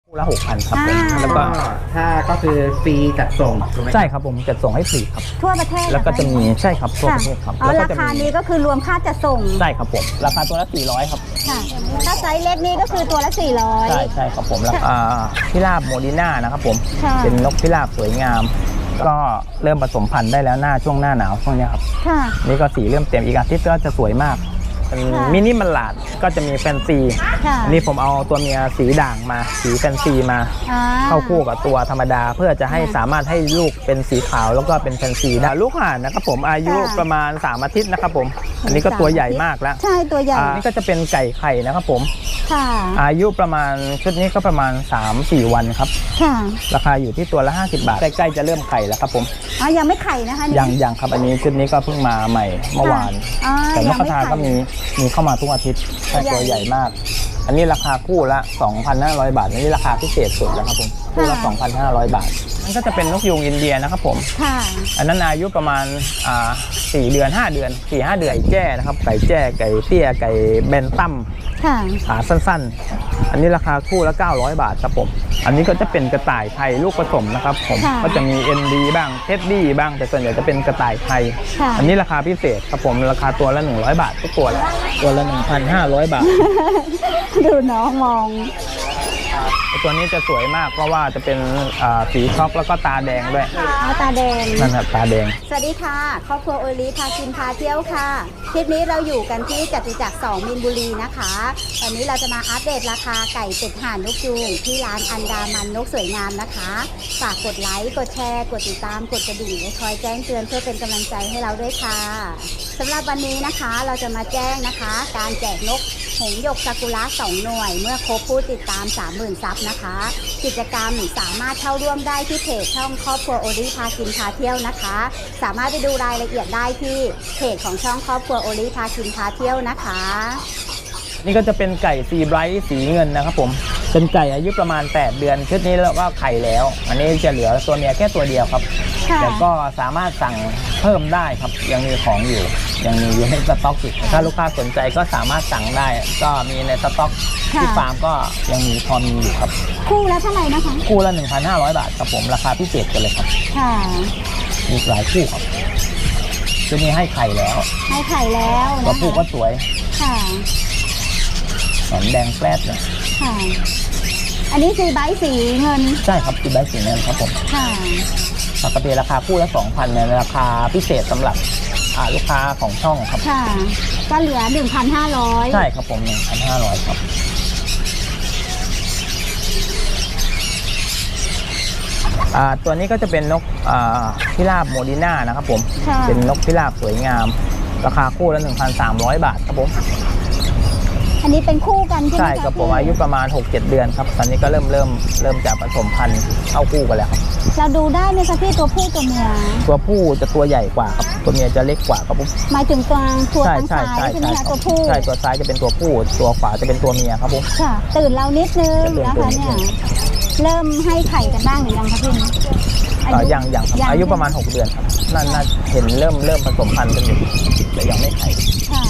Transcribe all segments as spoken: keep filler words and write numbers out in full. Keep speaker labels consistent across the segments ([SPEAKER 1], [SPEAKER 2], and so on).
[SPEAKER 1] ละหกพันครับผมแล้วก็
[SPEAKER 2] ถ้าก็คือฟรีจัดส่งถูกไหม
[SPEAKER 1] ใช่ครับผมจัดส่งให้ฟรีครับ
[SPEAKER 3] ทั่วประเทศ
[SPEAKER 1] แล้วก็จะมีใช่ครับทั่วประเทศครับ
[SPEAKER 3] อ๋อราคานี้ก็คือรวมค่าจัดส่ง
[SPEAKER 1] ใช่ครับผมราคาตัวละสี่ร้อยครับ
[SPEAKER 3] ค่ะถ้าไซส์เล็กนี่ก็คือตัวละสี่ร้อย
[SPEAKER 1] ใช่ใช่ครับผมแล้วพิราบโมดิน่านะครับผมเป็นนกพิราบสวยงามก็เริ่มผสมพันธุ์ได้แล้วหน้าช่วงหน้าหนาวช่วงนี้ครับนี่ก็สีเริ่มเต็มอีกอาทิตย์ก็จะสวยมากเป็นมินิมันหลาดก็จะมีแฟนซีนี่ผมเอาตัวเมียสีด่างมาสีแฟนซีมาเข้าคู่กับตัวธรรมดาเพื่อจะให้สามารถให้ลูกเป็นสีขาวแล้วก็เป็นแฟนซีได้ลูกห่านนะครับผมอายุประมาณสามอาทิตย์นะครับผมอันนี้ก็ตัวใหญ่มากแล้ว
[SPEAKER 3] ใช่ตัวใหญ่
[SPEAKER 1] นี่ก็จะเป็นไก่ไข่นะครับผม
[SPEAKER 3] ค่ะ
[SPEAKER 1] อายุประมาณชุดนี้ก็ประมาณ สามถึงสี่ วันครับ
[SPEAKER 3] ค่ะ
[SPEAKER 1] ราคาอยู่ที่ตัวละห้าสิบบาทใกล้ๆจะเริ่มไข่แล้วครับผม
[SPEAKER 3] อ๋อยังไม่ไข่นะคะ
[SPEAKER 1] ยังยังครับอันนี้ชุดนี้ก็เพิ่งมาใหม่เมื่อวานแต่นกกระทาก็มีมีเข้ามาทุกอาทิตย์ตัวใหญ่มากอันนี้ราคาคู่ละ สองพันห้าร้อย บาทอันนี้ราคาพิเศษสุดแล้วครับผมคู่ละ สองพันห้าร้อย บาทนั่นก็จะเป็นนกยูงอินเดียนะครับผม
[SPEAKER 3] ค่ะ
[SPEAKER 1] อันนั้นอายุประมาณอ่าสี่เดือนห้าเดือน สี่ห้า เดือนไก่แจ้นะครับไก่แจ้ไก่เตี้ยไก่เบนตั้มขาสั้นๆอันนี้ราคาคู่ละเก้าร้อยบาทครับผมอันนี้ก็จะเป็นกระต่ายไทยลูกผสมนะครับผมก็จะมี เอ็น ดี บ้างเท็ดดี้บ้างแต่ส่วนใหญ่จะเป็นกระต่ายไทยอันนี้ราคาพิเศษครับผมราคาตัวละหนึ่งร้อยบาททุกตัวเลยตัวละ หนึ่งพันห้าร้อย บาท
[SPEAKER 3] ดูน้องมอง
[SPEAKER 1] ตัวนี้จะสวยมากเพราะว่าจะเป็นสีช็อกแล้วก็ตาแดงด้วย
[SPEAKER 3] ตาแดง
[SPEAKER 1] นั่นครับตาแดง
[SPEAKER 3] สวัสดีค่ะครอบครัวโอลีพากินพาเที่ยวค่ะคลิปนี้เราอยู่กันที่จตุจักรสองมีนบุรีนะคะตอนนี้เราจะมาอัปเดตราคาไก่เป็ดห่านนกยูงที่ร้านอันดามันนกสวยงามนะคะฝากกดไลค์กดแชร์กดติดตามกดกระดิ่งและคอยแจ้งเตือนเพื่อเป็นกำลังใจให้เราด้วยค่ะสำหรับวันนี้นะคะเราจะมาแจ้งนะคะการแจกนกหงส์หยกซากุระสองหน่วยเมื่อครบผู้ติดตาม สามหมื่น ซับนะคะกิจกรรมสามารถเข้าร่วมได้ที่เพจช่องครอบครัวโอลีพากินพาเที่ยวนะคะสามารถไปดูรายละเอียดได้ที่เพจของช่องครอบครัวโอลีพากินพาเที่ยวนะคะ
[SPEAKER 1] นี่ก็จะเป็นไก่ซีไบรท์สีเงินนะครับผมเป็นไก่อายุประมาณแปดเดือนชุดนี้แล้วก็ไข่แล้วอันนี้จะเหลือตัวเมียแค่ตัวเดียวครับแต่ก็สามารถสั่งเพิ่มได้ครับยังมีของอยู่ยังมีอยู่ในสต็อกอยู่ถ้าลูกค้าสนใจก็สามารถสั่งได้ก็มีในสต็อกที่ฟาร์มก็ยังมีพอมีอยู่ครับ
[SPEAKER 3] คู่ละเท่าไหร่นะคะ
[SPEAKER 1] คู่ละ หนึ่งพันห้าร้อย บาทครับผมราคาพิเศษกันเลยครับ
[SPEAKER 3] ค่ะ
[SPEAKER 1] มีหลายคู่ครับชุดนี้ให้ไข่แล้ว
[SPEAKER 3] ให้ไข่แล้ว
[SPEAKER 1] ตัวผู้ก็สวย
[SPEAKER 3] ค่ะ
[SPEAKER 1] หนอนแดงแปลดเลย
[SPEAKER 3] ค่ะอันนี้ซีไบท์สีเงิน
[SPEAKER 1] ใช่ครับซีไบท์สีเงินครับผม
[SPEAKER 3] ค่ะ
[SPEAKER 1] ปกติราคาคู่ละ สองพัน ในราคาพิเศษสำหรับลูกค้าของช่องครับ
[SPEAKER 3] ค่ะก็เหลือ หนึ่งพันห้าร้อย
[SPEAKER 1] ใช่ครับผม หนึ่งพันห้าร้อย ครับตัวนี้ก็จะเป็นนกพิราบโมดิน่านะครับผมเป็นนกพิราบสวยงามราคาคู่ละ หนึ่งพันสามร้อย บาทครับผม
[SPEAKER 3] อันนี้เป็นคู่กันใช่ไหม
[SPEAKER 1] ใช่ครับผมอายุประมาณ หกเจ็ด เดือนครับตอนนี้ก็เริ่มเริ่มเริ่มจะผสมพันธุ์เข้าคู่กันแล้วครับ
[SPEAKER 3] เราดูได้ไหมคะพี่ตัวผู้ตัวเมีย
[SPEAKER 1] ตัวผู้จะตัวใหญ่กว่าครับตัวเมียจะเล็กกว่าครับผม
[SPEAKER 3] หมายถึงตัวตัวทางซ้ายใช่ไหมคะตัวผู้
[SPEAKER 1] ใช่ตัวซ้ายจะเป็นตัวผู้ตัวขวาจะเป็นตัวเมียครับผม
[SPEAKER 3] ค่ะตื่นเรานิดนึงนะคะเนี่ยเริ่มให้ไข่กันบ้างหรือยังคะพี่
[SPEAKER 1] ยังยังครับอายุประมาณหกเดือนครับน่าน่าเห็นเริ่มเริ่มผสมพันธุ์กันอยู่แต่ยังไม่ไข่
[SPEAKER 3] ค่ะ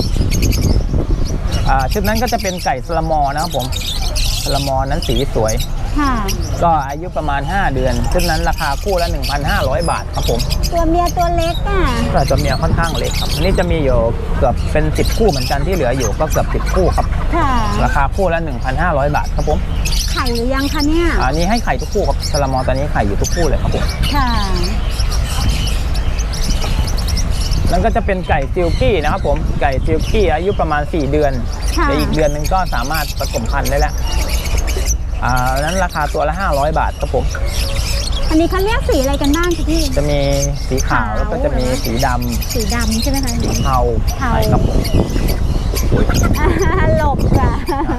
[SPEAKER 1] ชุดนั้นก็จะเป็นไก่สลามอนะครับผมสลามอนั้นสีสวยก็อายุประมาณห้าเดือนชุดนั้นราคาคู่ละ หนึ่งพันห้าร้อย บาทครับผม
[SPEAKER 3] ตัวเมียตัวเล็กอ่ะ
[SPEAKER 1] แต่ตัวเมียค่อนข้างเล็กครับนี่จะมีอยู่เกือบเป็นสิบคู่เหมือนกันที่เหลืออยู่ก็เกือบสิบคู่ครับราคาคู่ละ หนึ่งพันห้าร้อย บาทครับผม
[SPEAKER 3] ไข่หรือยังคะเนี่ย
[SPEAKER 1] อันนี้ให้ไข่ทุกคู่ครับสลามอตอนนี้ไข่อยู่ทุกคู่เลยครับผม
[SPEAKER 3] ค่ะ
[SPEAKER 1] นั่นก็จะเป็นไก่ซิลกี้นะครับผมไก่ซิลกี้อายุประมาณสี่เดือนในอีกเดือนนึงก็สามารถผสมพันธุ์ได้แล้วอ่านั้นราคาตัวละห้าร้อยบาทครับผม
[SPEAKER 3] อันนี้เขาเรียกสีอะไรกันบ้างคะพี่
[SPEAKER 1] จะมีสีขาวแล้วก็จะมีสีดำ
[SPEAKER 3] สีดำใช่ไหมคะ
[SPEAKER 1] สีเทาใช่ครับผม
[SPEAKER 3] หลบค่ะ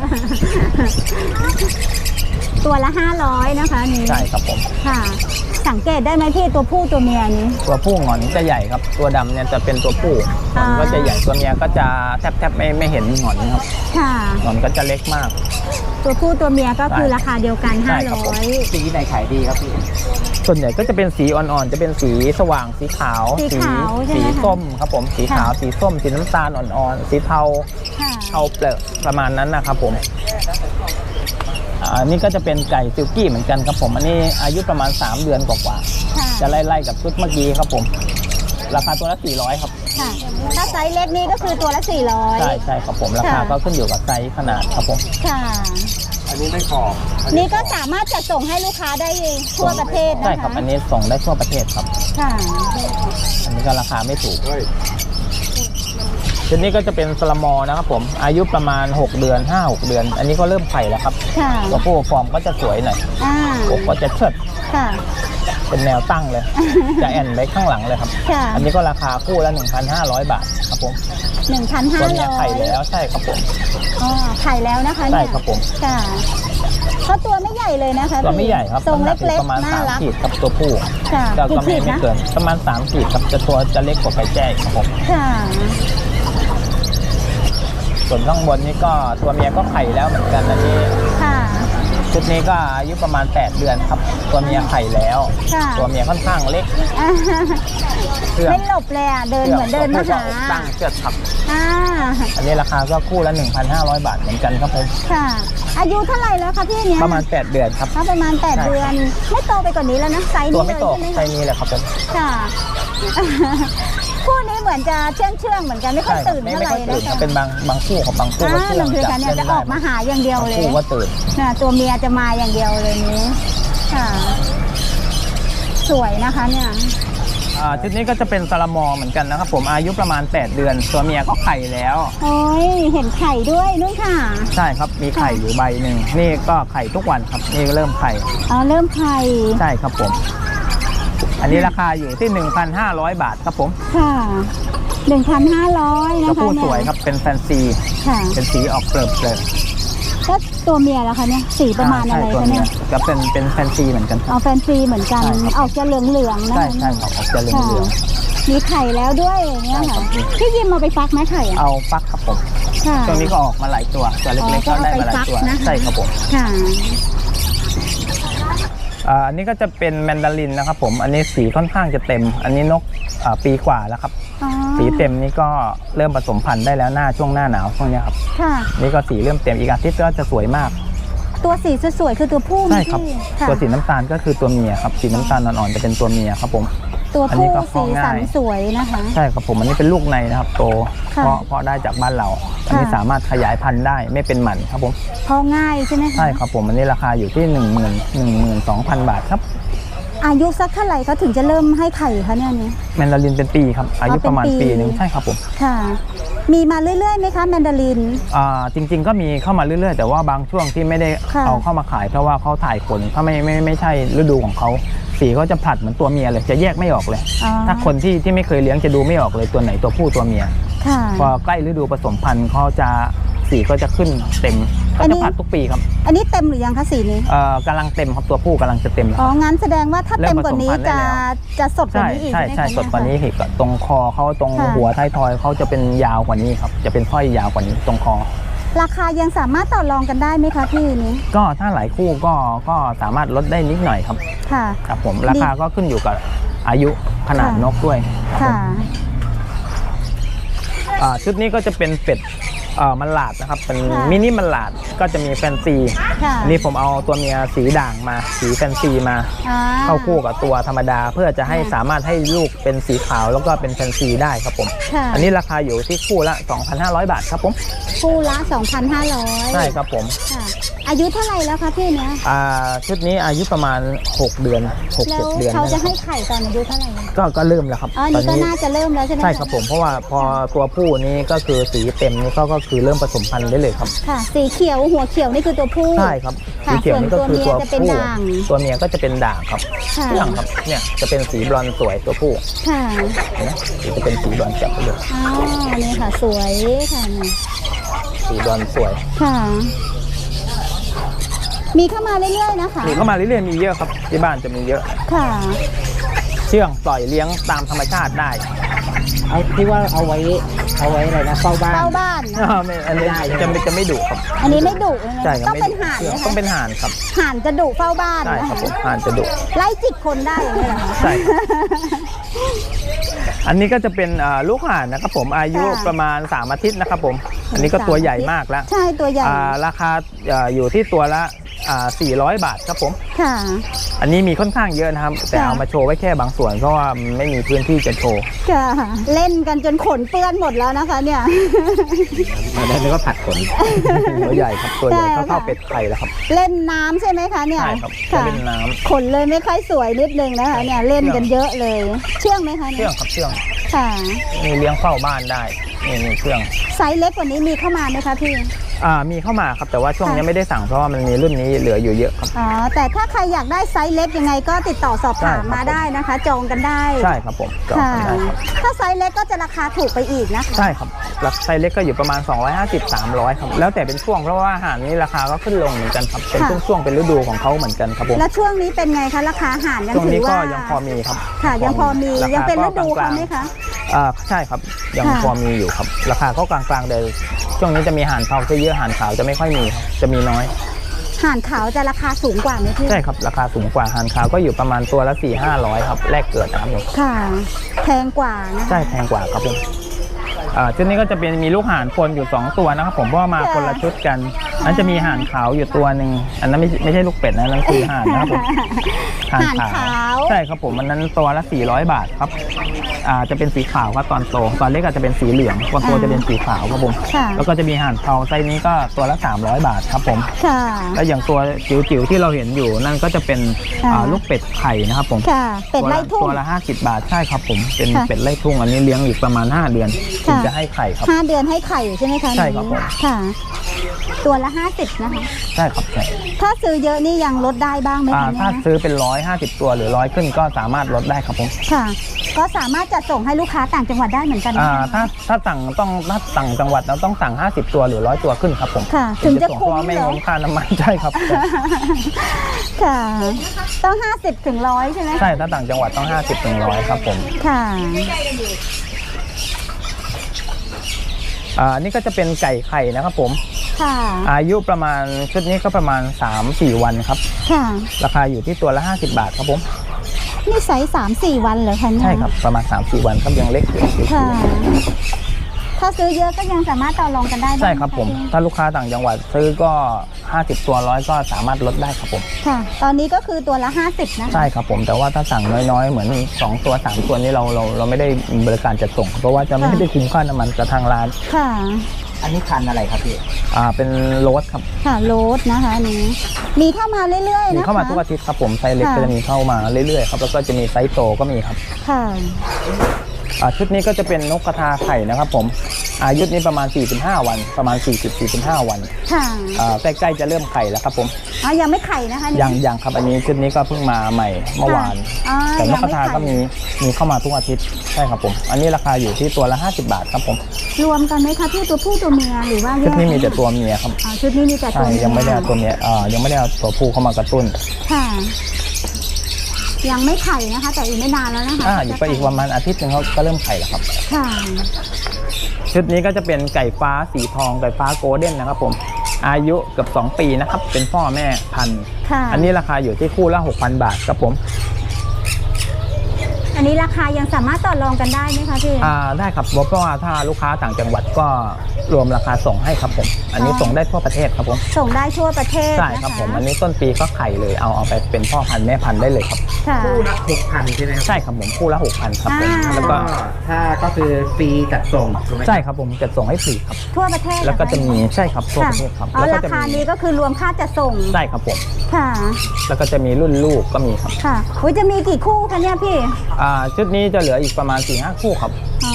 [SPEAKER 3] ตัวละห้าร้อยนะคะนี่
[SPEAKER 1] ใช่ครับผม
[SPEAKER 3] ค่ะสังเกตได้ไหมพี่ตัวผู้ตัวเมียนี้
[SPEAKER 1] ตัวผู้หงอนจะใหญ่ครับตัวดำเนี่ยจะเป็นตัวผู้หงอนก็จะใหญ่ตัวเมียก็จะแทบแทบไม่ไม่เห็นหงอนครับ
[SPEAKER 3] ค่ะ
[SPEAKER 1] หงอนก็จะเล็กมาก
[SPEAKER 3] ตัวผู้ตัวเมียก็คือราคาเดียวกันห้าร้อย
[SPEAKER 1] สีไหนขายดีครับพี่ส่วนใหญ่ก็จะเป็นสีอ่อนๆจะเป็นสีสว่างสีขาว
[SPEAKER 3] สี
[SPEAKER 1] สีส้มครับผมสีขาวสีส้มสีน้ำตาลอ่อนๆสีเทาเทาเปลือกประมาณนั้นนะครับผมอันนี้ก็จะเป็นไก่ซิลกี้เหมือนกันครับผมอันนี้อายุประมาณสามเดือนกว่าๆจะไล่ๆกับชุดเมื่อกี้ครับผมราคาตัวละสี่ร้อยครับ
[SPEAKER 3] ค่ะถ้าไซส์เล็กนี่ก็คือตัวละสี่ร้อย
[SPEAKER 1] ใช่ใช่ครับผมราคาก็ขึ้นอยู่กับไซส์ขนาดครับผม
[SPEAKER 3] ค่ะ
[SPEAKER 2] อันนี้ไม่ขอบ
[SPEAKER 3] นี่ก็สามารถจัดส่งให้ลูกค้าได้ทั่วประเทศนะคะ
[SPEAKER 1] ใช่ครับอันนี้ส่งได้ทั่วประเทศครับ
[SPEAKER 3] ค่ะ
[SPEAKER 1] อันนี้ก็ราคาไม่ถูกชุดนี้ก็จะเป็นสลามอนะครับผมอายุประมาณหกเดือน ห้าหก เดือนอันนี้ก็เริ่มไข่แล้วครับตัวผู้ฟอร์มก็จะสวยหน่อยอกก็จะเชิดเป็นแนวตั้งเลยจะแอนไปข้างหลังเลยครับอันนี้ก็ราคาคู่ละ หนึ่งพันห้าร้อย บาทครับผม
[SPEAKER 3] หนึ่งพันห้าร้อย
[SPEAKER 1] ตัวนี้ไข่แล้วใช่ครับผม
[SPEAKER 3] อ๋อไข่แล้วนะคะ
[SPEAKER 1] ใช่ครับผม
[SPEAKER 3] ค่ะเขาตัวไม่ใหญ่เลยนะคะ
[SPEAKER 1] ตัวไม่ใหญ่ครับ
[SPEAKER 3] ทรงเล็ก
[SPEAKER 1] ๆประมาณ
[SPEAKER 3] น่ารัก
[SPEAKER 1] สามขีดครับตัวผู้ก็ก็ไม่ไม่เกินประมาณสามขีดครับจะตัวจะเล็กกว่าไก่แจ้ครับผม
[SPEAKER 3] ค่ะ
[SPEAKER 1] ส่วนข้างบนนี้ก็ตัวเมียก็ไข่แล้วเหมือนกันอันนี้
[SPEAKER 3] ค่ะ
[SPEAKER 1] ชุดนี้ก็อายุประมาณแปดเดือนครับตัวเมียไข่แล้วตัวเมียค่อนข้างเล็ก
[SPEAKER 3] ไม่หลบเลยอ่ะเดินเหมือนเดินมาหา
[SPEAKER 1] ตั้งเชือกครับอันนี้ราคาก็คู่ละ หนึ่งพันห้าร้อย บาทเหมือนกันครับผม
[SPEAKER 3] ค่ะอายุเท่าไหร่แล้วคะพี่เนี้ย
[SPEAKER 1] ประมาณแปดเดือนครับ
[SPEAKER 3] ถ้าประมาณแปดเดือนไม่โตไปกว่านี้แล้วนะไซส์นี้
[SPEAKER 1] ตัวไม่โตไซส์นี้แหละครับผม
[SPEAKER 3] ค่ะคู่นี้เหมือนจะเชื่องเชื่องเหมือนกันไม่ค่อยตื่นเท่าไหร่นะคะ
[SPEAKER 1] เป็นบางบางคู่ของบางคู่ก็เชื่อง
[SPEAKER 3] จัดจะออกมาหาอย่างเดียวเลย
[SPEAKER 1] คู่ก็ตื่น
[SPEAKER 3] ตัวเมียจะมาอย่างเดียวเลยนี้ค่ะสวยนะคะเนี่ย
[SPEAKER 1] ชุดนี้ก็จะเป็นซาลามอเหมือนกันนะครับผมอายุประมาณแปดเดือนตัวเมียก็ไข่แล้ว
[SPEAKER 3] โอ้ยเห็นไข่ด้วยนู่นค่ะ
[SPEAKER 1] ใช่ครับมีไข่อยู่ใบหนึ่งนี่ก็ไข่ทุกวันครับนี่เริ่มไข่
[SPEAKER 3] อ๋อเริ่มไข่
[SPEAKER 1] ใช่ครับผมอันนี้ราคาอยู่ที่ หนึ่งพันห้าร้อย บาทครับผม
[SPEAKER 3] ค่ะ หนึ่งพันห้าร้อย นะคะ
[SPEAKER 1] ตัวผู้สวยครับเป็นแฟนซี
[SPEAKER 3] ค่ะ
[SPEAKER 1] เป็นสีออกเปลือกเลย
[SPEAKER 3] ก็ตัวเมียแล้วคะเนี่ยสีประมาณอะไรคะเนี่ย
[SPEAKER 1] ก็เป็นเป็นแฟนซีเหมือนกัน
[SPEAKER 3] เอาแฟนซีเหมือนกันออกจะเหลืองเหลืองนะ
[SPEAKER 1] ใช่ใช่ออกจะเหลืองเหลือง
[SPEAKER 3] มีไข่แล้วด้วยอย่างเงี้ยค่ะพี่ยิมเอาไปฟักไหมไข่
[SPEAKER 1] เอาฟักครับผมช่วงนี้ก็ออกมาหลายตัวตัวเล็กๆก็ได้มาหลายตัวใช่ครับผม
[SPEAKER 3] ค่ะ
[SPEAKER 1] อันนี้ก็จะเป็นแมนดารินนะครับผมอันนี้สีค่อนข้างจะเต็มอันนี้นกปีกว่าแล้วครับสีเต็มนี่ก็เริ่มผสมพันธุ์ได้แล้วหน้าช่วงหน้าหนาวช่วงนี้ครับนี่ก็สีเริ่มเต็มอีกอาทิตย์ก็จะสวยมาก
[SPEAKER 3] ตัวสีสวยๆคือตัวผู้
[SPEAKER 1] ใช่ครับตัวสีน้ำตาลก็คือตัวเมียครับสีน้ำตาลอ่อนๆจะเป็นตัวเมียครับผม
[SPEAKER 3] ตัวผู้สีสันสวยนะคะ
[SPEAKER 1] ใช่ครับผมอันนี้เป็นลูกในนะครับโตเพราะเพราะได้จากบ้านเราอันนี้สามารถขยายพันธุ์ได้ไม่เป็นหมันครับผม
[SPEAKER 3] เพราะง่ายใช่ไหม
[SPEAKER 1] ใช่ครับผมอันนี้ราคาอยู่ที่หนึ่งหมื่นหนึ่งหมื่นสองพันบาทครับ
[SPEAKER 3] อายุสักเท่าไหร่เขาถึงจะเริ่มให้ไข่คะเนี่ยนี้
[SPEAKER 1] แมนดารินเป็นปีครับอายุประมาณปีหนึ่งใช่ครับผม
[SPEAKER 3] ค่ะมีมาเรื่อยๆไหมคะแมนดาริน
[SPEAKER 1] อ่าจริงๆก็มีเข้ามาเรื่อยๆแต่ว่าบางช่วงที่ไม่ได้เอาเข้ามาขายเพราะว่าเขาถ่ายขนถ้าไม่ไม่ไม่ใช่ฤดูของเขาสีเขาจะผลัดเหมือนตัวเมียเลยจะแยกไม่ออกเลยถ้าคนที่ที่ไม่เคยเลี้ยงจะดูไม่ออกเลยตัวไหนตัวผู้ตัวเมียพอใกล้ฤดูผสมพันธุ์เขาจะสีก็จะขึ้นเต็มก็จะผัดทุกปีครับ
[SPEAKER 3] อันนี้เต็มหรือยังคะสีนี้
[SPEAKER 1] เอ่อกำลังเต็มครับตัวผู้กำลังจะเต็ม
[SPEAKER 3] อ๋องั้นแสดงว่าถ้าเต็มกว่านี้จะจะสดกว่านี้อีก
[SPEAKER 1] ใช่ใช่สดกว่านี้อีกตรงคอเขาตรงหัวท้ายทอยเขาจะเป็นยาวกว่านี้ครับจะเป็นสร้อยยาวกว่านี้ตรงคอ
[SPEAKER 3] ราคายังสามารถต่อรองกันได้ไหมคะพี่นี้
[SPEAKER 1] ก็ถ้าหลายคู่ก็ก็สามารถลดได้นิดหน่อยครับ
[SPEAKER 3] ค่ะ
[SPEAKER 1] ครับผมราคาก็ขึ้นอยู่กับอายุขนาดนกด้วย
[SPEAKER 3] ค่ะ
[SPEAKER 1] ชุดนี้ก็จะเป็นเป็ดมันหลาดนะครับเป็นมินิมันหลาดก็จะมีแฟนซีนี่ผมเอาตัวเมียสีด่างมาสีแฟนซีมาเข้าคู่กับตัวธรรมดาเพื่อจะให้สามารถให้ลูกเป็นสีขาวแล้วก็เป็นแฟนซีได้ครับผมอันนี้ราคาอยู่ที่คู่ละ สองพันห้าร้อย บาทครับผม
[SPEAKER 3] คู่ละ สองพันห้าร้อย
[SPEAKER 1] ใช่ครับผม
[SPEAKER 3] อายุเท่าไหร่แล้วคะพี่เนี้ย
[SPEAKER 1] ชุดนี้อายุประมาณหกเดือน หก เจ็ด เดือน
[SPEAKER 3] เขาจะให้ไข่ตอนอายุเท่าไหร่
[SPEAKER 1] ก็ก็เริ่มแล้วครับ
[SPEAKER 3] อ๋อนี่ก็น่าจะเริ่มแล้วใช่ไหม
[SPEAKER 1] ใช่ครับผมเพราะว่าพอตัวผู้นี้ก็คือสีเต็มนี้ก็ก็คือเริ่มผสมพันธุ์ได้เลยครับ
[SPEAKER 3] ค่ะสีเขียวหัวเขียวนี่คือตัวผู้
[SPEAKER 1] ใช่ครับสีเขียวนี่ก็คือตัวผู้ตัวเมียก็จะเป็นด่างครับเรื่องครับเนี่ยจะเป็นสีบลอนด์สวยตัวผู้
[SPEAKER 3] ค่ะ
[SPEAKER 1] นะจะเป็นสีบลอนด์จับไปเลย
[SPEAKER 3] อ๋อนี่ค่ะสวยค่ะ
[SPEAKER 1] สีบลอนด์สวย
[SPEAKER 3] ค่ะมีเข้ามาเรื่อยๆนะคะ
[SPEAKER 1] มีเข้ามาเรื่อยๆมีเยอะครับที่บ้านจะมีเยอะ
[SPEAKER 3] ค่ะ
[SPEAKER 1] เชื่องปล่อยเลี้ยงตามธรรมชาติได้
[SPEAKER 2] เอาที่ว่าเอาไว้เอาไว้อะไรนะเฝ้าบ้าน
[SPEAKER 3] เฝ้าบ้าน
[SPEAKER 1] ไม่อันนี้จะไม่จะไม่ดุครับ
[SPEAKER 3] อันนี้ไม่ดุ
[SPEAKER 1] ใช่
[SPEAKER 3] ต้องเป็นห่าน
[SPEAKER 1] ต้องเป็นห่านครับ
[SPEAKER 3] ห่านจะดุเฝ้าบ้าน
[SPEAKER 1] ใช่ครับผมห่านจะดุ
[SPEAKER 3] ไล่จิกคนได้อย่างนี้เหรอ
[SPEAKER 1] ใช่อันนี้ก็จะเป็นลูกห่านนะครับผมอายุประมาณสามอาทิตย์นะครับผมอันนี้ก็ตัวใหญ่มากแล้ว
[SPEAKER 3] ใช่ตัวใหญ่
[SPEAKER 1] ราคาอยู่ที่ตัวละอ่าสี่ร้อยบาทครับผม
[SPEAKER 3] ค่ะ
[SPEAKER 1] อันนี้มีค่อนข้างเยอะนะครับแต่
[SPEAKER 3] ค่ะ
[SPEAKER 1] เอามาโชว์ไว้แค่บางส่วนเพราะว่าไม่มีพื้นที่จะโชว์
[SPEAKER 3] ค่ะเล่นกันจนขนเปื้อนหมดแล้วนะคะเนี่ย
[SPEAKER 2] มาได้แล้วก็ผัดขน
[SPEAKER 1] ตัวใหญ่ครับตัวใหญ่
[SPEAKER 3] ใช่
[SPEAKER 1] เท่า
[SPEAKER 3] ค่ะ
[SPEAKER 1] ๆเป็ดไข่แล้วครับ
[SPEAKER 3] เล่นน้ำใช่ไหมคะเนี่ย
[SPEAKER 1] ใช่ครับ
[SPEAKER 3] ค่ะ
[SPEAKER 1] เล่นน้ำ
[SPEAKER 3] ขนเลยไม่ค่อยสวยนิดนึงนะคะเนี่ยเล่นกันเยอะเลย เชื่องไหมคะ
[SPEAKER 1] เชื่
[SPEAKER 3] เนี่
[SPEAKER 1] อย งครับเชื่อง
[SPEAKER 3] ค่ะ
[SPEAKER 1] มีเลี้ยงเฝ้าบ้านได้นี่มีเชื่อง
[SPEAKER 3] ไซส์เล็กกว่านี้มีเข้ามาไหมคะพี่
[SPEAKER 1] อ่ามีเข้ามาครับแต่ว่าช่วง
[SPEAKER 3] ค่ะ
[SPEAKER 1] นี้ไม่ได้สั่งเพราะว่ามันมีรุ่นนี้เหลืออยู่เยอะครับ
[SPEAKER 3] อ๋อแต่ถ้าใครอยากได้ไซส์เล็กยังไงก็ติดต่อสอบถาม
[SPEAKER 1] ใช่ครับ
[SPEAKER 3] มาได้นะคะ จองกันได้
[SPEAKER 1] ใช่ครับผมจอง
[SPEAKER 3] ค่ะ
[SPEAKER 1] กันได้ครับ
[SPEAKER 3] ถ้าไซส์เล็กก็จะราคาถูกไปอีกนะคะ
[SPEAKER 1] ใช่ครับราคาไซส์เล็กก็อยู่ประมาณ สองร้อยห้าสิบ สามร้อยครับแล้วแต่เป็นช่วงเพราะว่าอาหารนี้ราคาก็ขึ้นลงเหมือนกันครับเป็นช่วงๆเป็นฤดูของเขาเหมือนกันครับผม
[SPEAKER 3] แล้วช่วงนี้เป็นไงคะราคาอาหารยัง
[SPEAKER 1] ช่วง
[SPEAKER 3] ถื
[SPEAKER 1] นี้
[SPEAKER 3] อ
[SPEAKER 1] ก็
[SPEAKER 3] ว่า
[SPEAKER 1] ยังพอมีครับ
[SPEAKER 3] ค่ะยังพอมี
[SPEAKER 1] ราคา
[SPEAKER 3] ยังเป็นฤดู
[SPEAKER 1] ก็กล
[SPEAKER 3] เขา
[SPEAKER 1] งๆ
[SPEAKER 3] ไหมคะ
[SPEAKER 1] อ่าใช่ครับยัง
[SPEAKER 3] ค่ะ
[SPEAKER 1] พอมีอยู่ครับราคาก็กลางๆแต่ช่วงนี้จะมีห่านเทาจะเยอะห่านขาวจะไม่ค่อยมีครับจะมีน้อย
[SPEAKER 3] ห่านขาวจะราคาสูงกว่าไหมพี่
[SPEAKER 1] ใช่ครับราคาสูงกว่าห่านขาวก็อยู่ประมาณตัวละสี่ห้าร้อยครับแรกเกิดนะครับผม
[SPEAKER 3] ค่ะแพงกว่านะคะ
[SPEAKER 1] ใช่แพงกว่าครับผมอ่าชุดนี้ก็จะเป็นมีลูกห่านปนอยู่สองตัวนะครับผมเพราะว่ามาคนละชุดกันนั้นจะมีห่านขาวอยู่ตัวหนึ่งอันนั้นไม่ไม่ใช่ลูกเป็ดนะนั่นคือห่านนะครับผม
[SPEAKER 3] ห่านขาว
[SPEAKER 1] ใช่ครับผมอันนั้นตัวละสี่ร้อยบาทครับอ่าจะเป็นสีขาวครับตอนโตตอนเล็กอาจจะเป็นสีเหลืองบางตัวจะเป็นสีขาวครับผม
[SPEAKER 3] ค่ะ
[SPEAKER 1] แล้วก็จะมีห่านเทาไซส์นี้ก็ตัวละสามร้อยบาทครับผม
[SPEAKER 3] ค่ะ
[SPEAKER 1] แล้วอย่างตัวจิ๋วๆที่เราเห็นอยู่นั่นก็จะเป็น
[SPEAKER 3] ค่ะ
[SPEAKER 1] อ่าลูกเป็ดไข่นะครับผม
[SPEAKER 3] ค่ะ เป็ดไล่ทุ่ง
[SPEAKER 1] ตัวละห้าสิบบาทใช่ครับผมเป็น
[SPEAKER 3] ค่ะ
[SPEAKER 1] เป็ดไล่ทุ่งอันนี้เลี้ยงอีกประมาณห้าเดือนถึง
[SPEAKER 3] ค่ะ
[SPEAKER 1] จะให้ไข่ครับ
[SPEAKER 3] ห้าเดือนให้ไข่ใช่ไหมคะ
[SPEAKER 1] ใช่ครับผม
[SPEAKER 3] ค่ะ ตัวละห้าสิบนะคะ
[SPEAKER 1] ใช่ครับใช่
[SPEAKER 3] ถ้าซื้อเยอะนี่ยังลดได้บ้างไหม
[SPEAKER 1] อ่า
[SPEAKER 3] คะเนี่
[SPEAKER 1] ถ้าย ซื้อเป็นร้อยห้าสิบตัวหรือร้อยขึ้นก็สามารถลดได้ครับผม
[SPEAKER 3] ค่ะ ก็สามารถจัดส่งให้ลูกค้าต่างจังหวัดได้เหมือนกันนะ
[SPEAKER 1] อ่า
[SPEAKER 3] คะ
[SPEAKER 1] ถ้าถ้าสั่งต้องถ้าสั่งจังหวัดเราต้องสั่งห้าสิบตัวหรือร้อยตัวขึ้นครับผม
[SPEAKER 3] ค่ะถึงจะ
[SPEAKER 1] ส่
[SPEAKER 3] คุ้ม
[SPEAKER 1] เพราะว่าไม่
[SPEAKER 3] เหรอ
[SPEAKER 1] คุ้มค่าน้ำมัน ใช่ครับ
[SPEAKER 3] ค่ะ ต้องห้าสิบถึงร้อยใช่ไหม
[SPEAKER 1] ใช่ถ้าต่างจังหวัดต้องห้าสิบถึงร้อยครับผม
[SPEAKER 3] ค่ะ
[SPEAKER 1] อ่านี่ก็จะเป็นไก่ไข่นะครับผม
[SPEAKER 3] ค่ะ
[SPEAKER 1] อายุประมาณชุดนี้ก็ประมาณ สามสี่ วันครับ
[SPEAKER 3] ค่ะ
[SPEAKER 1] ราคาอยู่ที่ตัวละห้าสิบบาทครับผม
[SPEAKER 3] นี่ไซส์สามสี่วันเหรอคะเนี่ย
[SPEAKER 1] ใช่ครับประมาณ สามสี่ วันครับยังเล็กอยู่
[SPEAKER 3] ค่ะ ถ้าซื้อเยอะก็ยังสามารถต่อรองกันได้าง
[SPEAKER 1] ใช่ครับผม
[SPEAKER 3] นะะ
[SPEAKER 1] ถ้าลูกค้าต่างจังหวัดซื้อก็ห้าสิบตัวร้อยก็สามารถลดได้ครับผม
[SPEAKER 3] ค่ะ ตอนนี้ก็คือตัวละห้าสิบนะคะ
[SPEAKER 1] ใช่ครับผมแต่ว่าถ้าสั่งน้อยๆ เหมือนสองตัวสามตัวนี้เราเราเราไม่ได้บริการจัดส่ง เพราะว่าจะไม่ได้คุ้มค่าน้ำมันกับทางร้าน
[SPEAKER 3] ค่ะ
[SPEAKER 2] อันนี้พันธุ์อะไรครับพี่
[SPEAKER 1] อ่าเป็นโรสครับ
[SPEAKER 3] ค่ะโรสนะคะอันนี้มีเข้ามาเรื่อยๆ
[SPEAKER 1] มี
[SPEAKER 3] นะคะ
[SPEAKER 1] เข้ามาทุกอาทิตย์ครับผมไซส์เล็ก
[SPEAKER 3] ค่ะ
[SPEAKER 1] ก็จะมีเข้ามาเรื่อยๆครับแล้วก็จะมีไซส์โตก็มีครับ
[SPEAKER 3] ค่ะ
[SPEAKER 1] อ่าชุดนี้ก็จะเป็นนกกระทาไข่นะครับผมอายุนี้ประมาณสี่สิบห้าวันประมาณ สี่สิบ สี่สิบห้า วัน
[SPEAKER 3] ค่ะ
[SPEAKER 1] อ่าใกล้ๆจะเริ่มไข่แล้วครับผม
[SPEAKER 3] อ๋อยังไม่ไข่นะคะนี่
[SPEAKER 1] ยังยังครับอันนี้ชุดนี้ก็เพิ่งมาใหม่เมื่อวาน
[SPEAKER 3] อ๋อ
[SPEAKER 1] แต่นกกระทา
[SPEAKER 3] ยังไม่ไข่
[SPEAKER 1] ก็มีมีเข้ามาทุกอาทิตย์ใช่ครับผมอันนี้ราคาอยู่ที่ตัวละห้าสิบบาทครับผม
[SPEAKER 3] รวมกันไหมคะพี่ตัวผู้ตัวเมียหรือว่าแย
[SPEAKER 1] ชุด
[SPEAKER 3] ก
[SPEAKER 1] นี้มีแต่ตัวเมียครับ
[SPEAKER 3] อ๋อชุดนี้มีแต่ตั
[SPEAKER 1] ใช่
[SPEAKER 3] วเมีย
[SPEAKER 1] ยังไม่ได้เอาตัวเมียอ่ายังไม่ได้เอาตัวผู้เข้ามากระตุ้น
[SPEAKER 3] ค่ะ ยังไม่ไข่นะคะ แต่อีกไม่นานแล้วนะคะ
[SPEAKER 1] อ่าอยู่ไปอีกประมาณอาทิตย์หนึงเขาก็เริ่มไข่แล้วครับ
[SPEAKER 3] ค่ะ
[SPEAKER 1] ชุดนี้ก็จะเป็นไก่ฟ้าสีทองไก่ฟ้าโกลเด้นนะครับผมอายุเกือบสองปีนะครับเป็นพ่อแม่พันธุ์
[SPEAKER 3] ค่ะ
[SPEAKER 1] อันนี้ราคาอยู่ที่คู่ละ หกพัน บาทครับผม
[SPEAKER 3] อันนี้ราคายังสามารถต่อรองกันได้ไหมคะพี่
[SPEAKER 1] อ่าได้ครับเพราะว่าถ้าลูกค้าต่างจังหวัดก็รวมราคาส่งให้ครับผมอันนี้
[SPEAKER 3] อ๋อ
[SPEAKER 1] ส่งได้ทั่วประเทศครับผม
[SPEAKER 3] ส่งได้ทั่วประเทศ
[SPEAKER 1] ใช่
[SPEAKER 3] นะะ
[SPEAKER 1] ครับผมอันนี้ต้นปีก็ไข่เลยเอาเอาไปเป็นพ่อพันธุ์แม่พันธุ์ได้เลยครับ
[SPEAKER 3] ค่ะ
[SPEAKER 2] คู่ละหกพันใช่ไหมครับ
[SPEAKER 1] ใช่ครับผมคู่ละ หกพัน ครับผม
[SPEAKER 3] อ่า
[SPEAKER 1] แล้ว
[SPEAKER 2] ก็
[SPEAKER 1] ก็
[SPEAKER 2] ถ้าก็คือฟรีจัดส่งถูกไหม
[SPEAKER 1] ใช่ครับผมจะส่งให้ฟรีครับ
[SPEAKER 3] ทั่วประเทศ
[SPEAKER 1] แล้วก็จะ
[SPEAKER 3] เหรอค
[SPEAKER 1] มีใช่ครับทั่ว
[SPEAKER 3] ค่ะ
[SPEAKER 1] ประเทศครับ
[SPEAKER 3] อ๋อ
[SPEAKER 1] แล้วก็
[SPEAKER 3] รา
[SPEAKER 1] จะ
[SPEAKER 3] คา
[SPEAKER 1] มี
[SPEAKER 3] นี้ก็คือรวมค่าจัดส่ง
[SPEAKER 1] ใช่ครับผม
[SPEAKER 3] ค่ะ
[SPEAKER 1] แล้วก็จะมีรุ่นลูกก็มีครับ
[SPEAKER 3] ค่ะอุ้ยจะมีกี่คู่คะเนี่ยพี่
[SPEAKER 1] อ่าชุดนี้จะเหลืออีกประมาณ สี่ห้า คู่ครับ
[SPEAKER 3] อ๋อ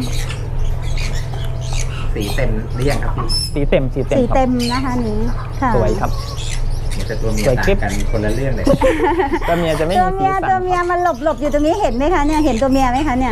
[SPEAKER 2] สีเต็มหรือยังครับพี่
[SPEAKER 1] สีเต็มสีเต็ม
[SPEAKER 3] สี
[SPEAKER 1] ครับ
[SPEAKER 3] เต็มนะคะนี้ค่ะ
[SPEAKER 1] สวยครับ
[SPEAKER 2] เหมือนแต่ตัวเมีย
[SPEAKER 1] สวยคลิ
[SPEAKER 2] ต่า
[SPEAKER 1] ป
[SPEAKER 2] งกันคนละเรื่องเลย
[SPEAKER 1] ตัวเมียจะไม่
[SPEAKER 3] ตัว
[SPEAKER 1] มีสี
[SPEAKER 3] เมีย
[SPEAKER 1] สัน
[SPEAKER 3] ตัวเมียมันหลบหลบอยู่ตรงนี้เห็นไหมคะเนี่ยเห็นตัวเมียไหมคะเนี่ย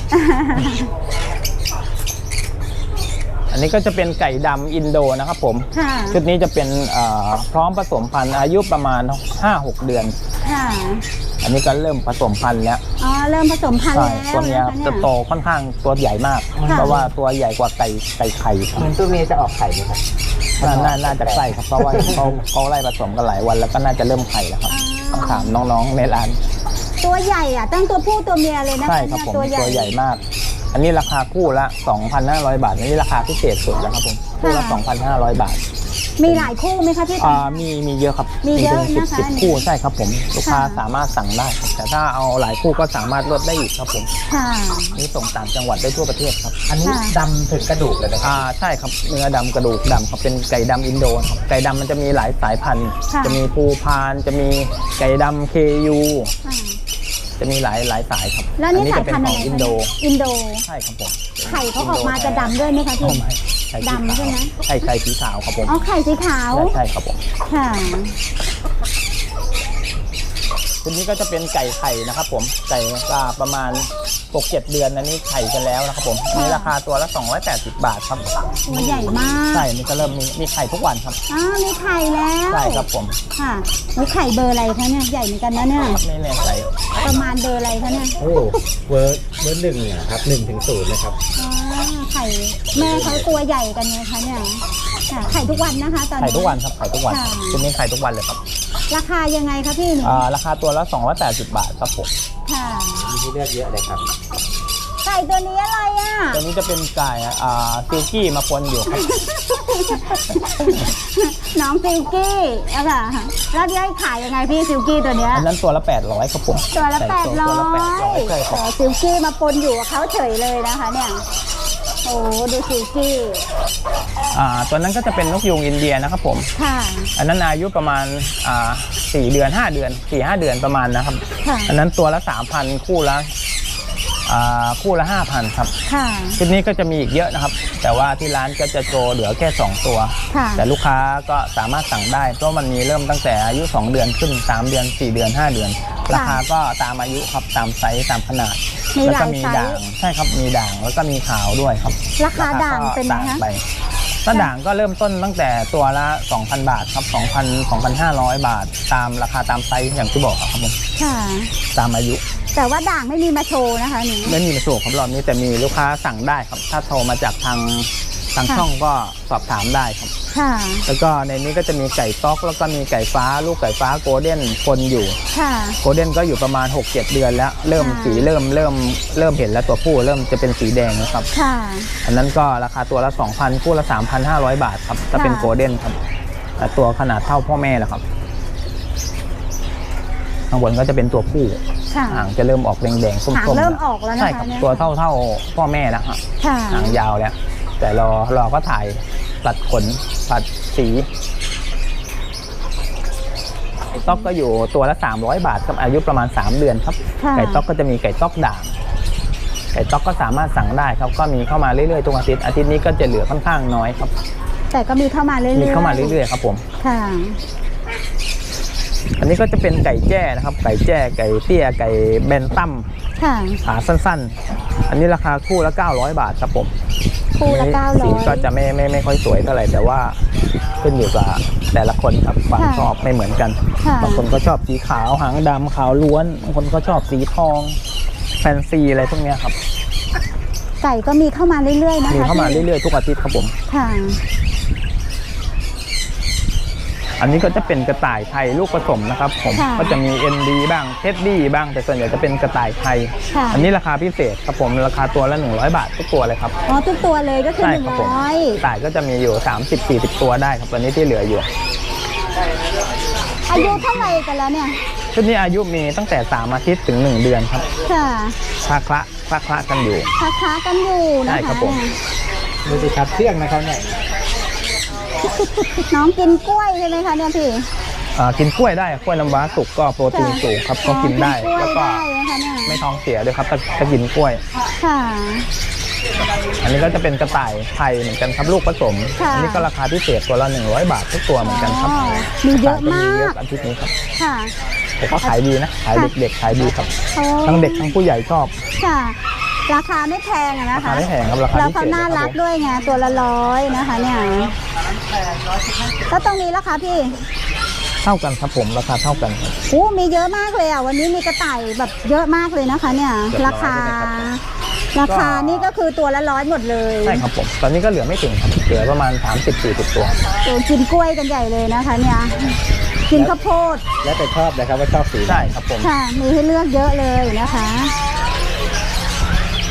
[SPEAKER 1] อันนี้ก็จะเป็นไก่ดำอินโดนะครับผม
[SPEAKER 3] ค่ะ
[SPEAKER 1] ชุดนี้จะเป็นเอ่อพร้อมผสมพันธุ์อายุประมาณ ห้าหก เดือน
[SPEAKER 3] ค่ะ
[SPEAKER 1] อันนี้ก็เริ่มผสมพันธุ์แล้ว
[SPEAKER 3] อ๋อเริ่มผสมพันธุ์
[SPEAKER 1] ใช่
[SPEAKER 3] แล้ว
[SPEAKER 1] ตัวเมีย
[SPEAKER 3] นะคะเนี่ย
[SPEAKER 1] จะโตค่อนข้างตัวใหญ่มาก
[SPEAKER 3] ค่ะ
[SPEAKER 1] เพราะว่าตัวใหญ่กว่าไก่ไก่ไข่ครับ
[SPEAKER 2] เหมือนตัวเมียจะออกไข่ไหมครับ
[SPEAKER 1] น่าน่าน่าจะใช่ครับเพราะว่าเขาเขาไล่ผสมกันหลายวันแล้วก็น่าจะเริ่มไข่แล้วครับต้องถามน้องๆในร้าน
[SPEAKER 3] ตัวใหญ่อ่ะตั้งตัวผู้ตัวเมียเลยนะคะ
[SPEAKER 1] ใช่ครับ
[SPEAKER 3] เนี่ย
[SPEAKER 1] ผม
[SPEAKER 3] ตัวใหญ่
[SPEAKER 1] ตัวใหญ่มาก อันนี้ราคาคู่ละ สองพันห้าร้อย บาทอันนี้ราคาพิเศษสุดแล้วครับผมคู่ละ
[SPEAKER 3] ค่ะ
[SPEAKER 1] สองพันห้าร้อย บาท
[SPEAKER 3] มีหลายคู่ไหมคะพี่
[SPEAKER 1] อ่ามีมีเยอะครับ
[SPEAKER 3] มีเยอะ
[SPEAKER 1] ถึงสิบ
[SPEAKER 3] นะคะ
[SPEAKER 1] สิบคู่ใช่ครับผมลูกค้า
[SPEAKER 3] ค่ะ
[SPEAKER 1] สามารถสั่งได้ครับแต่ถ้าเอาหลายคู่ก็สามารถลดได้อีกครับผม
[SPEAKER 3] ค่ะ
[SPEAKER 1] นี่ส่งต่างจังหวัดได้ทั่วประเทศครับ
[SPEAKER 2] อันนี้
[SPEAKER 3] ค่ะ
[SPEAKER 2] ดำถึงกระดูกเลยนะครับ
[SPEAKER 1] อ่าใช่ครับเนื้อดำกระดูกดำครับเป็นไก่ดำอินโดครับไก่ดำมันจะมีหลายสายพันธุ์
[SPEAKER 3] ค่ะ
[SPEAKER 1] จะมีภูพานจะมีไก่ดำเคยู
[SPEAKER 3] ค่ะ
[SPEAKER 1] จะมีหลายหลายสายครับ
[SPEAKER 3] แล้วนี่
[SPEAKER 1] อั
[SPEAKER 3] สาย
[SPEAKER 1] จะเป็น
[SPEAKER 3] พันธุ์
[SPEAKER 1] ข
[SPEAKER 3] อะ
[SPEAKER 1] อง
[SPEAKER 3] ไรคะ
[SPEAKER 1] อินโด
[SPEAKER 3] อินโด
[SPEAKER 1] ใช่ครับผม
[SPEAKER 3] ไข่เขาออกมาจะดำด้วยไหมคะพี่
[SPEAKER 1] อ๋อไม่ไข่สี
[SPEAKER 3] ดำใช่ไหม
[SPEAKER 1] ไข่ไข่สีขาวครับผม
[SPEAKER 3] อ๋อไข่สีขาว
[SPEAKER 1] ใช่ใช่ครับผม
[SPEAKER 3] ค่ะ
[SPEAKER 1] ทีนี้ก็จะเป็นไก่ไข่นะครับผมไก่ก็ประมาณหกเจ็ดเดือนอันนี้ไข่กันแล้วนะครับผมอันนี้ราคาตัวละสองร้อยแปดสิบบาทครับ
[SPEAKER 3] ตัวใหญ่มาก
[SPEAKER 1] ใช่นี่ก็เริ่มมีมีไข่ทุกวันครับ
[SPEAKER 3] อ้าวมีไข่แล้ว
[SPEAKER 1] ใช่ครับผม
[SPEAKER 3] ค่ะแล้วไข่เบอร์อะไรคะเนี่ยใหญ่เหมือนกันนะเนี่ย
[SPEAKER 1] ครับนี่เนี่ยไก่
[SPEAKER 3] ประมาณเบอร์อะไรคะเนี่ย
[SPEAKER 2] โอ้เวอร์เวอร์หนึ่งเนี่ยครับหนึ่งถึงศูนย์เลยครับ
[SPEAKER 3] อ๋อไข่แม่เขาตัวใหญ่กันไงคะเนี่ยค่ะไข่ทุกวันนะคะตอนนี้
[SPEAKER 1] ไข่ทุกวันครับไข่ทุกวัน
[SPEAKER 3] ค่ะ
[SPEAKER 1] ทีนี้ไข่ทุกวันเลยครับ
[SPEAKER 3] ราคายังไงคะพี่หนู
[SPEAKER 1] อ่าราคาตัวละสองร้อยแปดสิบบาทครับผม
[SPEAKER 3] ค่ะ
[SPEAKER 2] มีให้เลือกเยอะเลยครับ
[SPEAKER 3] ไก่ตัวนี้อะไรอ่ะ
[SPEAKER 1] ตัวนี้จะเป็นไก่อ่าซิลกี้มาปนอยู่ครับ
[SPEAKER 3] น้องซิลกี้อะค่ะแล้วที่ให้ขายยังไงพี่ซิลกี้ตัวเนี้ย
[SPEAKER 1] อันนั้นตัวละแปดร้อยครับผม
[SPEAKER 3] ตัวละ
[SPEAKER 1] ไก่
[SPEAKER 3] แปดร้อ
[SPEAKER 1] ตัวละแปดร้อย
[SPEAKER 3] ย
[SPEAKER 1] ใช่ครับ
[SPEAKER 3] ซิลกี้มาปนอยู่กับเขาเฉยเลยนะคะเนี่ยโอ้ดูซิลกี้
[SPEAKER 1] อ่าตัวนั้นก็จะเป็นนกยูงอินเดียนะครับผม
[SPEAKER 3] ค่ะ
[SPEAKER 1] อันนั้นอายุประมาณอ่าสี่เดือนห้าเดือนสี่ห้าเดือนประมาณนะครับ
[SPEAKER 3] ค่ะ
[SPEAKER 1] อันนั้นตัวละสามพันคู่ละอ่าคู่ละห้าพันครับ
[SPEAKER 3] ค่ะ
[SPEAKER 1] ชุดนี้ก็จะมีอีกเยอะนะครับ แต่ว่าที่ร้านก็จะโชว์เหลือแค่สองตัว
[SPEAKER 3] ค่ะ
[SPEAKER 1] แต่ลูกค้าก็สามารถสั่งได้เพราะมันมีเริ่มตั้งแต่อายุสองเดือนขึ้นสามเดือนสี่เดือนห้าเดือน ราคาก็ตามอายุครับตามไซส์ตามขนาด
[SPEAKER 3] มี
[SPEAKER 1] แล้ว
[SPEAKER 3] หลา
[SPEAKER 1] ก็
[SPEAKER 3] ย
[SPEAKER 1] มี
[SPEAKER 3] ไซ
[SPEAKER 1] ด่าง
[SPEAKER 3] ส์
[SPEAKER 1] ใช่ครับมีด่างแล้วก็มีขาวด้วยครับ
[SPEAKER 3] ราคาด่างเป็นไง
[SPEAKER 1] ต่าง
[SPEAKER 3] คะ
[SPEAKER 1] ไปถ้าด่างก็เริ่มต้นตั้งแต่ตัวละ สองพัน บาทครับ สองพัน สองพันห้าร้อย บาท ตามราคาตามไซส์อย่างที่บอกครับผม
[SPEAKER 3] ค่ะ
[SPEAKER 1] ตามอายุ
[SPEAKER 3] แต่ว่าด่างไม่มีมาโชว์นะคะหนู
[SPEAKER 1] ไม่มีในส่วนของรอบนี้แต่มีลูกค้าสั่งได้ครับ ถ้าโทรมาจากทางทาง
[SPEAKER 3] ค่ะ
[SPEAKER 1] ช่องก็สอบถามได้ครับ
[SPEAKER 3] ค่ะ
[SPEAKER 1] แล้วก็ในนี้ก็จะมีไก่ต๊อกแล้วก็มีไก่ฟ้า ลูกไก่ฟ้าโกลเด้นคนอยู่
[SPEAKER 3] ค่ะ
[SPEAKER 1] โกลเด้นก็อยู่ประมาณ หกเจ็ด เดือนแล้ว เริ่ม
[SPEAKER 3] ค่ะ
[SPEAKER 1] สีเริ่มเริ่มเริ่มเห็นแล้วตัวผู้เริ่มจะเป็นสีแดงแล้วครับ
[SPEAKER 3] ค่ะ
[SPEAKER 1] อันนั้นก็ราคาตัวละ สองพัน คู่ละ สามพันห้าร้อย บาทครับถ้าเป็น
[SPEAKER 3] ค่ะ
[SPEAKER 1] โกลเด้นครับแต่ตัวขนาดเท่าพ่อแม่แล้วครับข้างบนก็จะเป็นตัวผู้
[SPEAKER 3] ค่ะ
[SPEAKER 1] หางจะเริ่มออกแดงๆส้มๆ
[SPEAKER 3] หางเริ่มออกแล้วนะคะ
[SPEAKER 1] ใช่ครับ
[SPEAKER 3] เนี่ย
[SPEAKER 1] ตัวเท่าเท่าพ่อแม่แล้วครับ
[SPEAKER 3] ค่ะ
[SPEAKER 1] หางยาวแล้ว แต่รอรอก็ถ่ายตัดขนตัดสีไก่ต๊อกก็อยู่ตัวละสามร้อยบาทครับอายุประมาณสามเดือนครับ
[SPEAKER 3] ค่ะ
[SPEAKER 1] ไก่ต๊อกก็จะมีไก่ต๊อกด่างไก่ต๊อกก็สามารถสั่งได้ครับก็มีเข้ามาเรื่อยๆทุกอาทิตย์อาทิตย์นี้ก็จะเหลือค่อนข้างน้อยครับ
[SPEAKER 3] แต่ก็มีเข้ามาเรื่อยๆ
[SPEAKER 1] มีเข้ามาเรื่อยๆครับผม
[SPEAKER 3] ค่ะ
[SPEAKER 1] อันนี้ก็จะเป็นไก่แจ้นะครับ ไก่แจ้ไก่เตี้ยไก่แบนตั้ม
[SPEAKER 3] ค่ะ
[SPEAKER 1] ขาสั้นๆ อันนี้ราคาคู่ละเก้าร้อยบาทครับผม
[SPEAKER 3] คู่ละเก้าร้
[SPEAKER 1] สี
[SPEAKER 3] อย
[SPEAKER 1] ก็จะไม่ไม่ไม่ค่อยสวยเท่าไหร่แต่ว่าขึ้นอยู่กับแต่ละคนครับความ
[SPEAKER 3] ค่ะ
[SPEAKER 1] ชอบไม่เหมือนกัน
[SPEAKER 3] ค่ะ
[SPEAKER 1] บางคนก็ชอบสีขาวหางดำขาวล้วนบางคนก็ชอบสีทองแฟนซีอะไรพวกเนี้ยครับ
[SPEAKER 3] ไก่ก็มีเข้ามาเรื่อยๆนะคะ
[SPEAKER 1] มีเข้ามา
[SPEAKER 3] พี่
[SPEAKER 1] เรื่อยๆทุกอาทิตย์ครับผม
[SPEAKER 3] ค่ะ
[SPEAKER 1] อันนี้ก็จะเป็นกระต่ายไทยลูกผสมนะครับผม
[SPEAKER 3] ค่ะ
[SPEAKER 1] ก็จะมี เอ็น ดี บ้างเท็ดดี้บ้างแต่ส่วนใหญ่จะเป็นกระต่ายไทย
[SPEAKER 3] ค่ะ
[SPEAKER 1] อันนี้ราคาพิเศษครับผมราคาตัวละหนึ่งร้อยบาททุกตัวเลยครับ
[SPEAKER 3] อ๋อทุกตัวเลยก็คือ
[SPEAKER 1] ใช่
[SPEAKER 3] หนึ่ง
[SPEAKER 1] ครับผม
[SPEAKER 3] ร้อย
[SPEAKER 1] กระต่ายก็จะมีอยู่ สามสิบสี่สิบ ตัวได้ครับตอนนี้ที่เหลืออยู่
[SPEAKER 3] อายุเท่าไหร่กันแล้วเนี่ย
[SPEAKER 1] ชุดนี้อายุมีตั้งแต่สามอาทิตย์ถึงหนึ่งเดือนครับ
[SPEAKER 3] ค่ะ
[SPEAKER 1] คละคละคละคละกันอยู่
[SPEAKER 3] ค้าค้ากันอยู่นะ
[SPEAKER 1] ใช่
[SPEAKER 3] คะ
[SPEAKER 1] ครับผม
[SPEAKER 2] ดูสิครับเที่ยงนะครับเนี่ย
[SPEAKER 3] น้องกินกล้วยใช่ไหมคะเนี่ยพี่
[SPEAKER 1] อ่ากินกล้วยได้กล้วยน้ำว้าสุกก็โปรตีนสูงครับก็กินได้
[SPEAKER 3] อ๋อ
[SPEAKER 1] แล้วก็
[SPEAKER 3] กินกล้วยได้นะคะเนี่ย
[SPEAKER 1] ไม่ท้องเสียด้วยครับถ้าถ้ากินกล้วย
[SPEAKER 3] ค่ะ
[SPEAKER 1] อันนี้ก็จะเป็นกระต่ายไทยเหมือนกันครับลูกผสม
[SPEAKER 3] ค่ะ
[SPEAKER 1] อันี้ก็ราคาพิเศษตัวละหนึ่งร้อยบาททุกตัวเหมือนกันครับ
[SPEAKER 3] อ๋อมีเยอะมาก
[SPEAKER 1] มีเยอะอาทิตย์นี้ครับ
[SPEAKER 3] ค่ะ
[SPEAKER 1] แต่ก็ขายดีนะขายเด็กๆขายดีครับ
[SPEAKER 3] โอ้
[SPEAKER 1] ทั้งเด็กทั้งผู้ใหญ่ชอบ
[SPEAKER 3] ค่ะ ราคาไม่แพงอะนะ
[SPEAKER 1] ราคา
[SPEAKER 3] คะ
[SPEAKER 1] ไม่แพงครับราคา
[SPEAKER 3] แล้ว
[SPEAKER 1] พิเศ
[SPEAKER 3] เขา
[SPEAKER 1] ษ
[SPEAKER 3] น่า
[SPEAKER 1] นะค
[SPEAKER 3] รั
[SPEAKER 1] รั
[SPEAKER 3] ก
[SPEAKER 1] บ
[SPEAKER 3] ด้วยไงตัวละร้อยนะคะเนี่ยแล้วตรงนี้ล่ะคะพี่
[SPEAKER 1] เท่ากันครับผมราคาเท่ากันครับ
[SPEAKER 3] โอ้มีเยอะมากเลยอ่ะวันนี้มีกระต่ายแบบเยอะมากเลยนะคะ เนี่ย
[SPEAKER 1] เกือบร้อย
[SPEAKER 3] ราคา
[SPEAKER 1] ใช่ไหมครับ
[SPEAKER 3] ราคานี่ก็คือตัวละร้อยหมดเลย
[SPEAKER 1] ใช่ครับผมตอนนี้ก็เหลือไม่ถึงครับเหลือประมาณ สามสิบสี่สิบ ตัว
[SPEAKER 3] โอ้กินกล้วยกันใหญ่เลยนะคะ เนี่ยกินข้าวโพด
[SPEAKER 2] แล้วแต่ชอบนะครับว่าชอบสีไหน
[SPEAKER 1] ใช่ครับผม
[SPEAKER 3] ค่ะ มีให้เลือกเยอะเลยนะคะ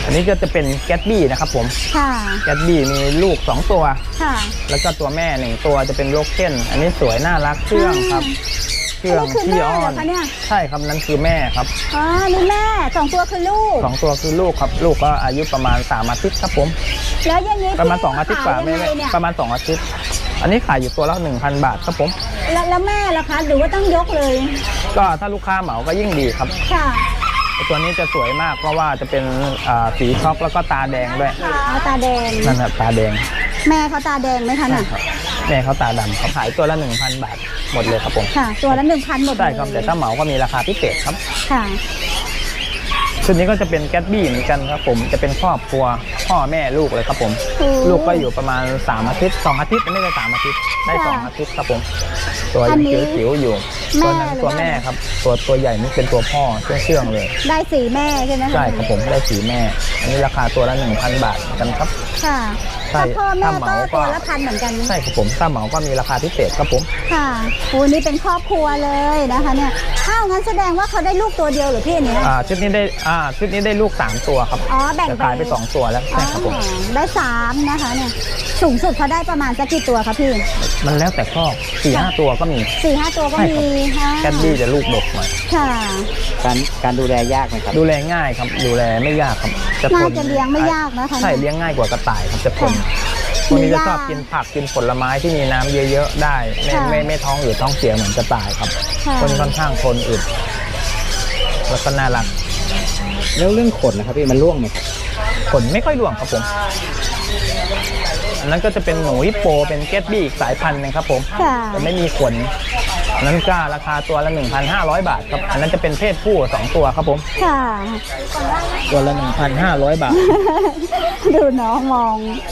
[SPEAKER 1] อันนี้ก็จะเป็นแกตบี้นะครับผม
[SPEAKER 3] ค่ะ
[SPEAKER 1] แกตบี้มีลูกสองตัว
[SPEAKER 3] ค่ะ
[SPEAKER 1] แล้วก็ตัวแม่หนึ่งตัวจะเป็นโลเก้นอันนี้สวยน่ารักเชื่องครับเชื่อง
[SPEAKER 3] นี่คือ
[SPEAKER 1] ขี้
[SPEAKER 3] แม่
[SPEAKER 1] อ้อ
[SPEAKER 3] เหรอน คะเนี่ย
[SPEAKER 1] ใช่ครับนั่นคือแม่ครับ
[SPEAKER 3] อ๋อนี่แม่สองตัวคือลูก
[SPEAKER 1] สองตัวคือลูกครับลูกก็อายุประมาณสามอาทิตย์ครับผม
[SPEAKER 3] แล้วอย่างนี้
[SPEAKER 1] ประมาณสองอาทิตย์กว่า
[SPEAKER 3] ขย
[SPEAKER 1] ไม่
[SPEAKER 3] ยัง
[SPEAKER 1] ไม่
[SPEAKER 3] ไงเนี่ย
[SPEAKER 1] ประมาณสองอาทิตย์ อันนี้ขายอยู่ตัวละหนึ่งพันบาทครับผม
[SPEAKER 3] แล้วแล้วแม่ล่ะคะหรือว่าต้องยกเลย
[SPEAKER 1] ก็ถ้าลูกค้าเหมาก็ยิ่งดีครับ
[SPEAKER 3] ค่ะ
[SPEAKER 1] ตัวนี้จะสวยมากเพราะว่าจะเป็นอ่าสีช็อกแล้วก็ตาแดงด้วย
[SPEAKER 3] อ๋อตาแดง
[SPEAKER 1] นั่นครับตาแดง
[SPEAKER 3] แม่เขาตาแดงไหมคะน่ะ
[SPEAKER 1] แม่เขาตาดำเขาขายตัวละหนึ่งพันบาทหมดเลยครับผม
[SPEAKER 3] ค่ะ ตัวละหนึ่งพันหมดเลย
[SPEAKER 1] ใช่ครับแต่ถ้าเหมาก็มีราคาพิเศษครับ
[SPEAKER 3] ค่ะ
[SPEAKER 1] ชุดนี้ก็จะเป็นแกตบี้เหมือนกันครับผมจะเป็นครอบครัวพ่อแม่ลูกเลยครับผม
[SPEAKER 3] โอ้
[SPEAKER 1] ลูกก็อยู่ประมาณสามอาทิตย์สองอาทิตย์ไม่ใช่สามอาทิตย์ได้สองอาทิตย์ครับผมตัว
[SPEAKER 3] อั
[SPEAKER 1] ยั
[SPEAKER 3] น
[SPEAKER 1] ง
[SPEAKER 3] นี้
[SPEAKER 1] จิ๋วๆอยู่
[SPEAKER 3] แม่
[SPEAKER 1] ตัวนั้น
[SPEAKER 3] หรือ
[SPEAKER 1] ตัว
[SPEAKER 3] ว่า
[SPEAKER 1] แม่ครับตัวตัวใหญ่นี่เป็นตัวพ่อเชื่องๆเลย
[SPEAKER 3] ได้สีแม่ใช่ไหมคะ
[SPEAKER 1] ใช่ครับผมได้สีแม่ อันนี้ราคาตัวละหนึ่งพันบาทกันครับ
[SPEAKER 3] ค่ะ
[SPEAKER 1] ใช่
[SPEAKER 3] ถ้าพ่อแม่
[SPEAKER 1] ถ้าเห
[SPEAKER 3] ก็
[SPEAKER 1] มาก็
[SPEAKER 3] ตัวละพันเหมือนกัน
[SPEAKER 1] ใช่ครับผมถ้าเหมาก็มีราคาพิเศษครับผม
[SPEAKER 3] ค่ะโอ้นี่เป็นครอบครัวเลยนะคะเนี่ยอ้าวงั้นแสดงว่าเขาได้ลูกตัวเดียวเหรือพี่อันเนี้ย
[SPEAKER 1] อ่าชุดนี้ได้อ่าชุดนี้ได้ลูกสามตัวครับ
[SPEAKER 3] อ๋อแบ่ง
[SPEAKER 1] จะขายไปสองตัวแล้ว
[SPEAKER 3] อ๋อ
[SPEAKER 1] ใช่ครับผม
[SPEAKER 3] ได้สามนะคะเนี่ยสูงสุดเขาได้ประมาณสักกี่ตัวคะพี่
[SPEAKER 1] มันแล้วแต่ครอบสี่ห้าตัวก็มี
[SPEAKER 3] สี่ห้าตัวก็
[SPEAKER 1] ใช่
[SPEAKER 3] มี
[SPEAKER 1] ครับ
[SPEAKER 3] ค่ะ
[SPEAKER 1] แกตบี้จะลูกดกหน่อย
[SPEAKER 3] ค่ะ
[SPEAKER 2] การการดูแลยากไหมครับ
[SPEAKER 1] ดูแลง่ายครับดูแลไม่ยากครับจะท
[SPEAKER 3] น่าน จะเลี้ยงไม่ยากนะคะ
[SPEAKER 1] ใช่เลี้ยงง่ายกว่ากระต่ายครับจะทน
[SPEAKER 3] ค่ะ
[SPEAKER 1] พวกนี้จะ
[SPEAKER 3] มีหญ้า
[SPEAKER 1] ชอบกินผักกินผลไม้ที่มีน้ำเยอะๆได้ไม่
[SPEAKER 3] ค่ะ
[SPEAKER 1] ไม่ไม่ท้องอืดท้องเสียเหมือนกระต่ายครับ
[SPEAKER 3] ค่ะ
[SPEAKER 1] คนค่อนข้างทนอึดแล้วก็น่ารัก
[SPEAKER 2] แล้วเรื่องขนนะครับพี่มันร่วงไหมครับ
[SPEAKER 1] ขนไม่ค่อยร่วงครับผมอันนั้นก็จะเป็นหนูฮิปโปเป็นเกตบี้อีกสายพันธุ์หนึงครับผม
[SPEAKER 3] ค่ะ
[SPEAKER 1] แต่ไม่มีขนอันนั้นก็ราคาตัวละ หนึ่งพันห้าร้อย บาทครับอันนั้นจะเป็นเพศผู้สองตัวครับผม
[SPEAKER 3] ค่ะ
[SPEAKER 1] ตัวละ หนึ่งพันห้าร้อย บาท
[SPEAKER 3] ดูน้องมอง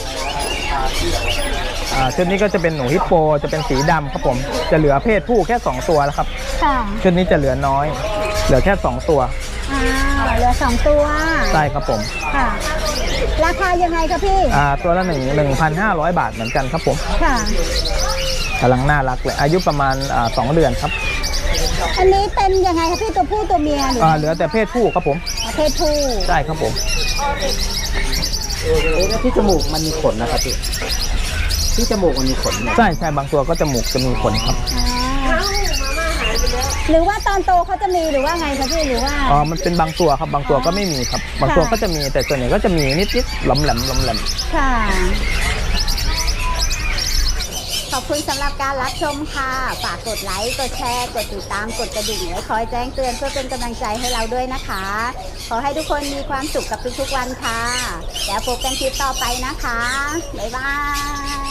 [SPEAKER 1] อ่าชุดนี้ก็จะเป็นหนูฮิปโปจะเป็นสีดำครับผมจะเหลือเพศผู้แค่สองตัวแล้วครับ
[SPEAKER 3] ค่ะ
[SPEAKER 1] ชุดนี้จะเหลือน้อย เหลือแค่สองตัว
[SPEAKER 3] อ้าวเหลือสองตัว
[SPEAKER 1] ใช่ครับผม
[SPEAKER 3] ค่ะ ราคายังไงคะพี่
[SPEAKER 1] อ่าตัวละหนึ่งหนึ่งพันห้าร้อยบาทเหมือนกันครับผม
[SPEAKER 3] ค่ะ
[SPEAKER 1] กำลังน่ารักเลยอายุประมาณอ่าสองเดือนครับ
[SPEAKER 3] อันนี้เป็นยังไงคะพี่ตัวผู้ตัวเมียหรือ
[SPEAKER 1] อ่าเหลือแต่เพศผู้ครับผม
[SPEAKER 3] เพศผู้
[SPEAKER 1] ใช่ครับผม
[SPEAKER 2] เอ๊ะแล้วที่จมูกมันมีขนนะครับพี่ที่จมูกมันมีขนเนี่ย
[SPEAKER 1] ใช่ใช่บางตัวก็จมูกจะมีขนครับ
[SPEAKER 3] อ่าหรือว่าตอนโตเขาจะมีหรือว่าไงคะพี่หรือว่า
[SPEAKER 1] อ๋อมันเป็นบางตัวครับบางตัวก็ไม่มีครับ บางตัวก็จะมีแต่ส่วนใหญ่ก็จะมีนิดๆหลอมแหลมหลอมแหลม
[SPEAKER 3] ค่ะ ขอบคุณสำหรับการรับชมค่ะ ฝากกดไลค์ กดแชร์ กดติดตาม กดกระดิ่งไว้คอยแจ้งเตือนเพื่อเป็นกำลังใจให้เราด้วยนะคะ ขอให้ทุกคนมีความสุขกับทุกๆวันค่ะ แล้วพบกันคลิปต่อไปนะคะ บ๊ายบาย